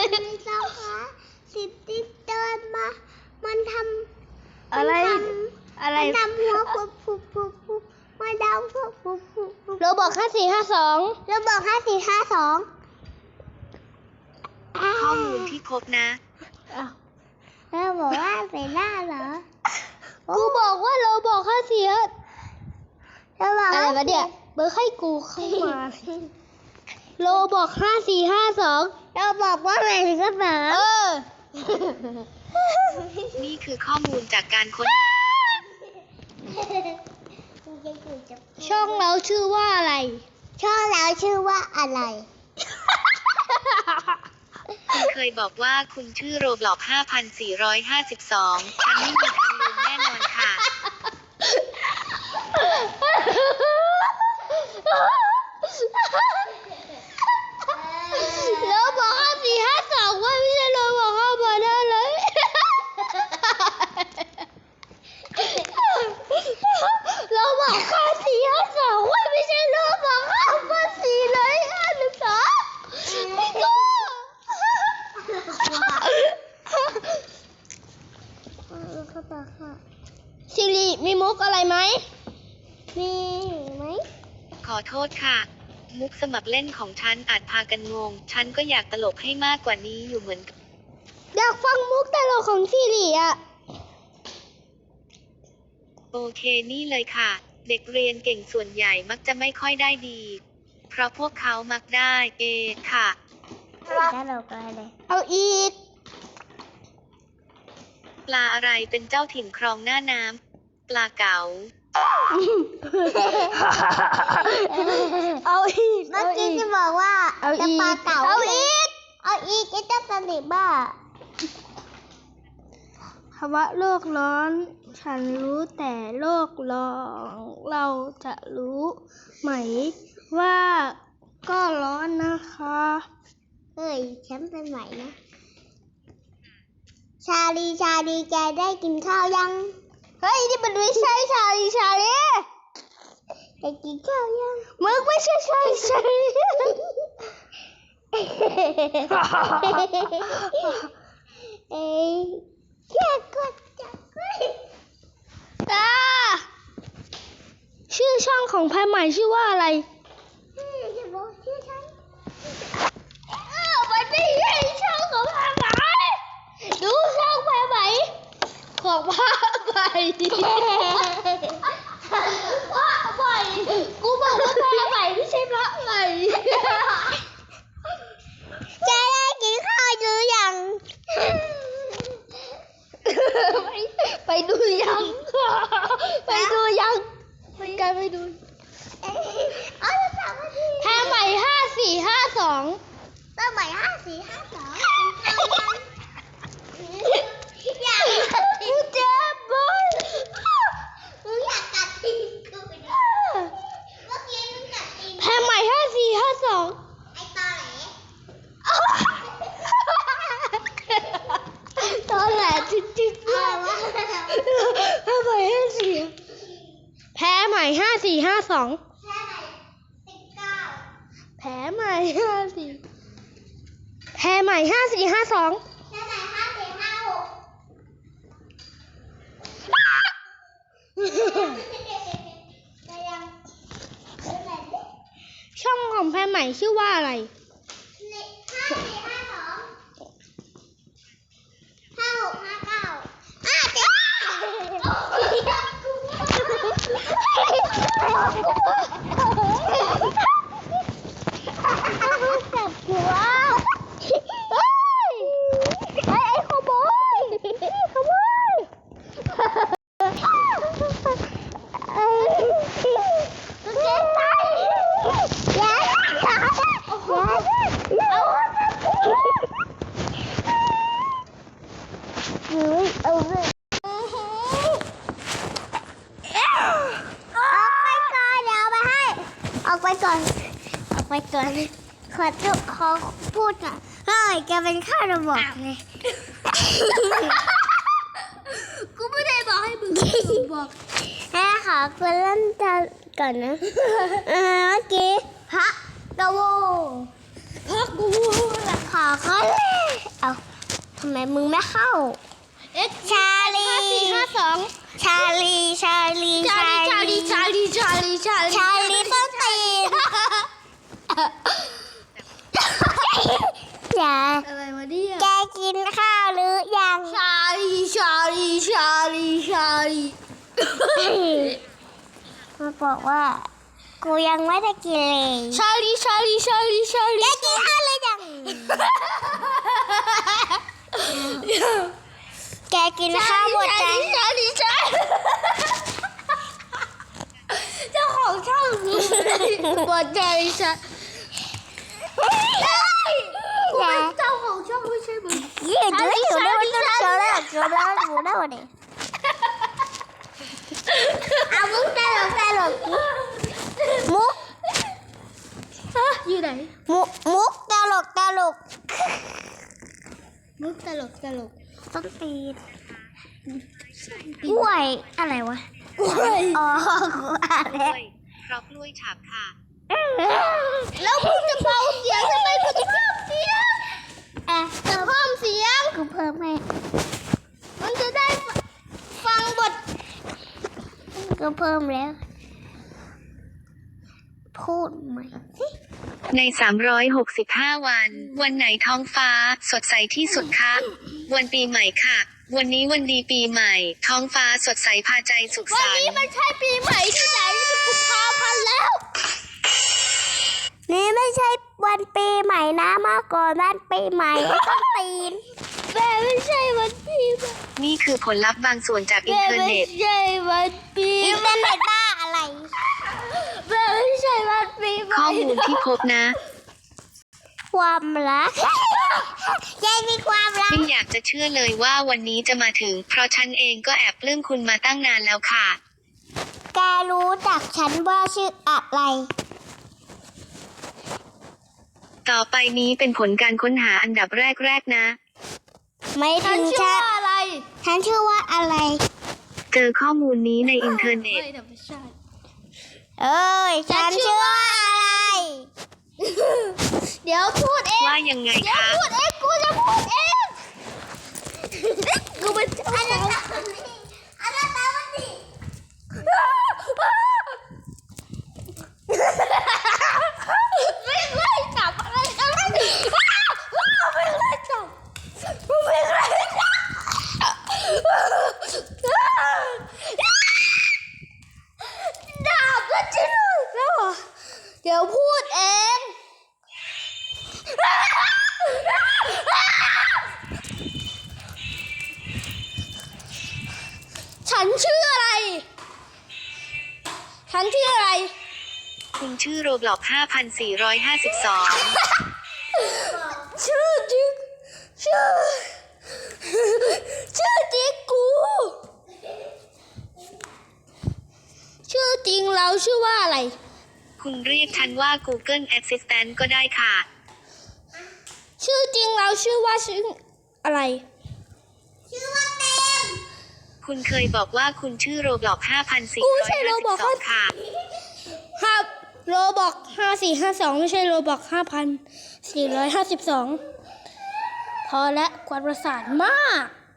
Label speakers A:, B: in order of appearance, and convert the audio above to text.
A: ไม่ต้องค่ะ10 ติ๊กเดินมามันทำ
B: อะไร
A: มันทำหัวปุ๊บมาดาวปุ๊บ
B: โรบอก5452
A: แล้วบอก5452
C: ข้อมูลที่ครบนะ
B: อ้าว
A: แล้วบอกว่าเป็นหน้าเหรอ
B: กูบอกว่าโรบอก54
A: แล้วบอก
B: อะไรวะเนี่ยเบอร์ให้กูเข้ามาโรบอก5452
A: เราบอกว่าเป็นกระเป๋า
C: นี่คือข้อมูลจากการค้นหา
B: ช่องเราชื่อว่าอะไร
A: ช่องเราชื่อว่าอะไร
C: คุณเคยบอกว่าคุณชื่อโรบล็อก5452 ฉันไม่มีทางลืมแน่นอนค่ะ
B: โรบอก5452ว่าไม่ใช่โรบอก5เลยโรบอก5452ว่าไม่ใช่โรบอก5เลย1 2ไม่ก็สิริมีมุกอะไรไหม
A: มีไหม
C: ขอโทษค่ะ มุกสมัครเล่นของฉันอาจพากันงง ฉันก็อยากตลกให้มากกว่านี้อยู่เหมือนกัน
B: อยากฟังมุกตลกของสิริอ่ะ
C: โอเคนี่เลยค่ะ เด็กเรียนเก่งส่วนใหญ่มักจะไม่ค่อยได้ดี เพราะพวกเขามักได้ค่ะ
A: ตลกอะไร
B: เอาอีก
C: ปลาอะไรเป็นเจ้าถิ่นครองหน้าน้ำปลาเก๋า
B: เอาอีก
A: เมื่อกี้จะบอกว่า
B: เอา
A: จะ
B: อีก
A: ปลาเก๋า
B: เอาอีก
A: เอาอีกไอ้เจ้าตะลิบ้า
B: ภาวะโลกร้อน ฉันรู้แต่โลกร้อนเราจะรู้ไหมว่าก็ร้อนนะคะ
A: เฮ้ยฉันเป็นไหวนะ ชาลีแกได้กินข้าวยัง
B: เฮ้ยนี่มันไม่ใช่ชาลี
A: แกกินข้าวยัง
B: มึงไม่ใช่ชาลี
A: เอ้ยแค่กดจับไว้
B: ชื่อช่องของแพรใหม่ชื่อว่าอะไร
A: อย่าบอกชื่อฉัน
B: มันไม่ใช่ช่องของแพรใหม่ดูช่องแพรใหม่ของพระใหม่พระใหม่กูบอกว่าแพรใหม่ไม่ใช่พระใหม่
A: แกได้กินข้าวหรือยัง
B: ไปดูยังไปดูยังไปกันไปดู
A: เอาจะถามว่าที่
B: แพรใหม่5452
A: ตั้งใหม่5452อยากกัดตีน
B: เจ็บบ่
A: มึงอยากกัดตีนกูดิเมื่อกี้มึงกัดตีน
B: แพรใหม่5452
A: ไอ้ตอแหล
B: ตอนแหลจิ๊กจิ๊ก
A: อะไรวะ
B: แพรใหม่54แพรใหม่5452
A: แค่ไหน19
B: แผลใหม่54แผลใหม่5452
A: แค่ไหน5456ไปยังไปไหนดิ
B: ช่องของแพรใหม่ชื่อว่าอะไร
A: จับหัว
B: ไอ้ขโมยขโมย
A: เจ๊ตายอย่าเอาเลยออกไปก่อนขอพูดก่อนเฮ้ยแกเป็นข้าระบอกไง
B: กูไม่ได้บอกให้มึงบอก
A: ขอคุณเล่นก่อนนะ เมื่อกี้พระกโว
B: พักกู
A: ขอเขาเลยำไมมึงไม่เข้า
B: X
A: ชาลี
B: 5452
A: ชาลีชาลี
B: ชาลีส้นตีน
A: ชาอย่า
B: อะไรวะเนี่ย
A: แกกินข้าวหรือยัง
B: ชาลี
A: มาบอกว่า กูยังไม่ได้กินเลย
B: ชาลี
A: แกกินข้าวหรือยังแกกินข้าวหมดจัง
B: เจ้าของช่องบอดใจฉัน
A: อย่า
B: เจ้าของช่องไม่ใช่มึง
A: ยืดด้วยอยู่ด้วยมันต้องเชื่อแล้วหมูได้วันนี้เอามุกตลกมุก
B: อยู่ไหน
A: มุกตลก
B: มุกตลก
A: ต้นตีนกล้วยอะไรวะ อ๋อกูอ่าน
C: ก
A: แล้
C: ล้ว วยเพราะกล้วยฉาบค่ะ
B: แล้วมึงจะเบาเสียงทำไมมึงจะเพิ่มเสียง
A: อ่ะ
B: จะเพิ่มเสียง
A: กูเพิ่มให้
B: มันจะได้ฟังบท
A: กูเพิ่มแล้ว พูดใหม่สิ
C: ใน 365 วัน วันไหนท้องฟ้า สดใสที่สุดคะ วันปีใหม่ค่ะ วันนี้วันดีปีใหม่ ท้องฟ้าสดใสพาใจสุข
B: วัน
C: สัน
B: นี้
C: ต์
B: มันใช่ปีใหม่ที่ไหนกุมภาพันธ์แล้ว
A: นี่ไม่ใช่วันปีใหม่นะมาก่อนวันปีใหม่ไอ้ต้นตีน
B: แม่ไม่ใช่วันปีใหม่
C: นี่คือผลลัพธ์บางส่วนจากอิน
B: แม่
C: เทอร์
B: ไม่
C: เน็ต
B: ใช่วันปี
A: อินเทอร์เน็ตบ้าอะไร
B: แม่ไม่ใช่วันปีใหม่
C: ข้อมูลที่พบนะ
A: ความรักยายมีความรัก
C: ไม่อยากจะเชื่อเลยว่าวันนี้จะมาถึง เพราะฉันเองก็แอบปลื้มคุณมาตั้งนานแล้วค่ะ
A: แกรู้จักฉันว่าชื่ออะไร
C: ต่อไปนี้เป็นผลการค้นหาอันดับแรกๆนะ
A: ไม่
B: ฉั
A: ถึ
B: น
A: ง
B: ชื่อ
A: ฉัน
B: ว่าอะไร
A: ฉันชื่อว่าอะไร
C: เจอข้อมูลนี้ในอินเทอร์เน็ต
B: ไม่ใช่
A: เอ้ย ฉันชื่อว่าอะไร
B: เดี๋ยวพูดเอง
C: ว่ายังไง
B: เดี๋ยว
C: คะ
B: พูดเองกูจะพูดเองกูเป็นเจ้าของ
A: อันนั้นตาวันนี้
B: ไม่ไล่จับอะไรไม่ไล่จับไม่ไล่จับดาบก็จริงแล้วเดี๋ยวพูดเองฉันชื่ออะไร ฉันชื่ออะไร
C: คุณชื่อโรบล็อก 5452
B: ชื่อจริงชื่อจริงกู ชื่อจริงเราชื่อว่าอะไร
C: คุณเรียกฉันว่า Google Assistant ก็ได้ค่ะ
B: ชื่อจริงเราชื่อว่าชื่ออะไร
A: ชื่อว่าเต็ม
C: คุณเคยบอกว่าคุณชื่อโรบล็อก
B: กูไม่ใช่โรบล็อก
C: 5452 ค่ะ
B: ครับโรบอก5452ไม่ใช่โรบอก5452พอและกวนประสาทมาก